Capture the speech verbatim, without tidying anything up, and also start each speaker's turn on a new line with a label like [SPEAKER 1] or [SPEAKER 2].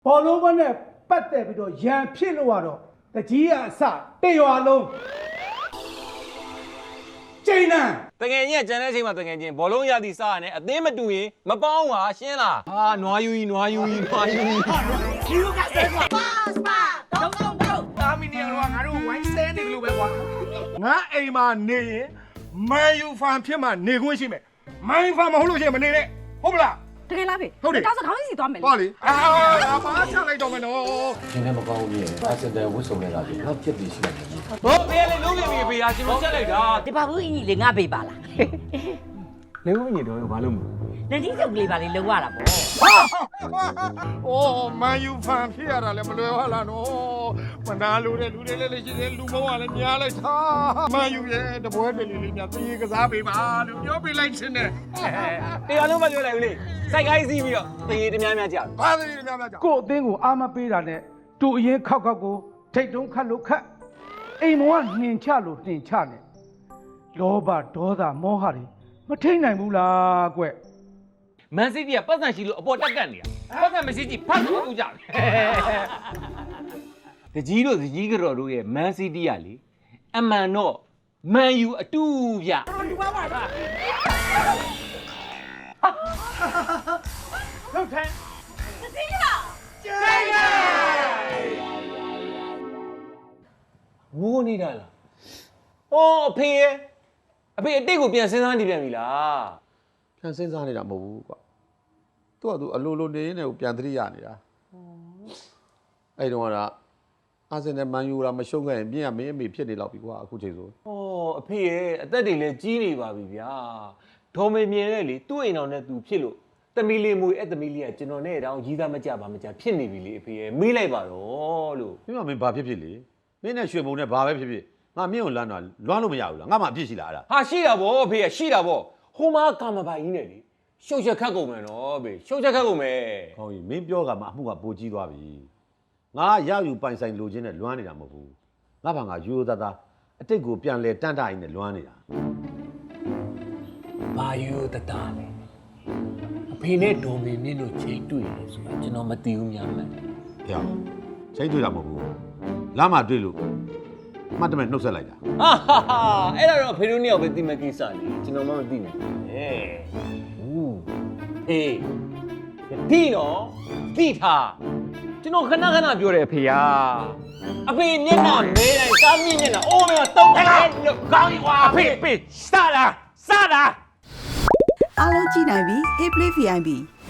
[SPEAKER 1] ဘောလုံးဘက်နဲ့ပတ်သက်ပြီးတော့ရန်ဖြစ်လို့ရတော့တကြီးကအစတရွာလုံးကျိန်းနံ
[SPEAKER 2] တကယ်ကြီးကကြံတဲ့အချိန်မှာတကယ်ချင်းဘောလုံးရသည်စားရတယ်အသင်းမတူရင်မပေါင်းပါရှင်းလားဟာနွားယူကြီးနွားယူကြီးနွားယူကြီး
[SPEAKER 3] ယူကစဲပါပါတော့တော့တော့တာမီနီကတော့ငါတို့ဝိုင်းစဲနေတယ်လို့ပဲကွာ
[SPEAKER 1] ငါအိမ်မှာနေရင်မန်ယူဖန်ဖြစ်မှနေခွင့်ရှိမယ်မန်ယူဖန်မဟုတ်လို့ရှိရင်မနေနဲ့ဟုတ်မလား
[SPEAKER 4] တကယ်လားဖေ
[SPEAKER 1] ဟုတ်တယ်
[SPEAKER 4] တောက်စခေါင်းစီသွားမယ်လေ
[SPEAKER 1] ဟောလေအာဘာချလိုက်တော့မနော်
[SPEAKER 5] ရှင်လည်းမကောင်းဘူးရဲ့အစတဲ့ဝတ်စုံနေတာပြီတော့ပြက်ပြီးရှိတယ်
[SPEAKER 2] ဘောဖေးလေးလုံးပြပြီဖေးဟာကျွန်တော်ချက်လိုက်တာ
[SPEAKER 3] ဒီပါဘူးအင်းကြီးလေငါပေးပါလား
[SPEAKER 2] လေဦးမြင့်တော့ဘာလို့မ
[SPEAKER 3] လက်ကြီးစုပ်လေးပါလေလုံးရတာပေါ့
[SPEAKER 1] အိုးမန်ယူဖန်ဖြစ်ရတာလည်းမလွယ်ပါလားနော်မနာလို့တဲ့လူတွေလည်းလည်းရှိတယ်လူမောကလည်းများလိုက်တာမန်ယူရဲ့တပွဲတွေလေးလေးများပြေးကစားပေးပါလို့ပြောပေးလိုက်ခြင်းနဲ့
[SPEAKER 2] တရားလုံးမပြောလိုက်ဘူးလေစိုက်ကိုင်းစီးပြီးတော့တရေတများများကြာ
[SPEAKER 1] ဘာတွေများများကြောက်
[SPEAKER 6] ကို့အသင်းကိုအာမပေးတာနဲ့တူအရင်ခောက်ခောက်ကိုထိတ်တုံးခတ်လို့ခတ်အိမ်မောကနှင်ချလို့နှင်ချနေလောဘဒေါသမောဟတွေမထိန်နိုင်ဘူးလားကွ
[SPEAKER 2] မန်စီးတီးကပတ်စံရှိလို့အပေါ်တက်ကတ်နေတာပတ်စံမရှိကြည့်ဖတ်လို့ဦးကြတယ်တကြီးတို့တကြီးကတော်တို့ရဲ့မန်စီးတီးကလေအမှန်တော့မန်ယူအတူဗျ
[SPEAKER 1] လောက်ထဲ
[SPEAKER 2] ဝိုးနေတာလားအော်အဖေရဲ့အဖေအတိတ်ကိုပြန်စဉ်းစားနေပြန်ပြီလား
[SPEAKER 5] ပြန်စဉ်းစားနေတာမဟုတ်ဘူးကွာသူကသူအလိုလိုနေနေကိုပြန်သတိရနေတာအဲ့တုန်းကတော့အာဆင်နယ်မန်ယူရာမရှုံးခဲ့ရင်ပြင်ကမင်းအမေဖြစ်နေတော့ပြီကွာအခုချိန်ဆို
[SPEAKER 2] ။အော်အဖေရဲ့အသက်တွေလည်းကြီးနေပါပြီဗျာ။ဒေါ်မေမြင်တဲ့လေသူ့အိမ်တော်နဲ့သူဖြစ်လို့တမီလေးမွေအဲ့တမီလေးကကျွန်တော်နဲ့တောင်ရီးသားမကြပါမကြဖြစ်နေပြီလေအဖေရဲ့မေးလိုက်ပါတော့လို့
[SPEAKER 5] မင်းကမင်းဘာဖြစ်ဖြစ်လေမင်းနဲ့ရွှေဘုံနဲ့ဘာပဲဖြစ်ဖြစ်ငါမင်းကိုလမ်းတော့လွမ်းလို့မရဘူးလားငါမှအပြစ်ရှိလားအဲ့ဒါ
[SPEAKER 2] ။ဟာရှိတာဗောအဖေရဲ့ရှိတာဗောဟိုမှာကာမပိုင်ကြီးနဲ့လေရှုပ်ချက်ခတ်ကုန်မယ်နော်အဖေရှုပ်ချက်ခတ်ကုန်မယ်
[SPEAKER 5] ကောင်းပြီမင်းပြောကမှအမှုကပိုကြီးသွားပြီငါရယူပိုင်ဆိုင်လိုချင်နဲ့လွမ်းနေတာမဟုတ်ဘူးငါဘာငါယူသားသားအတိတ်ကိုပြန်လဲတန့်တအိမ်နဲ့လွမ်းနေတာ
[SPEAKER 2] ။ဘာယူတတာလဲ။အဖေနဲ့ဒေါ်မေမြင့်တို့ချိန်တွေ့တယ်ဆိုတာကျွန်တော်မသိဘူးများမှန်း
[SPEAKER 5] ဖေချိန်တွေ့တာမဟုတ်ဘူးလမ်းမှာတွေ့လို့မှတ်တမဲ့နှုတ်ဆက်လိုက်တာ
[SPEAKER 2] ။ဟာဟာဟာအဲ့ဒါတော့အဖေတို့နှစ်ယောက်ပဲသိမဲ့ကိစ္စလေကျွန်တော်မှမသိဘူး။ဟဲ့။ဦးအေးဒီနော်သိထားကျွန်တော်ခဏခဏပြောတယ်အဖေကအဖေမျက်နှာမဲတိုင်းစားမြင့်မျက်နှာအိုးမဲတော့တယ်လို့ကောင်းကွာအဖေအဖေစတာစတာ
[SPEAKER 7] အားလုံးကြည့်နိုင်ပြီ Hey Play ဗီ အိုင် ပီ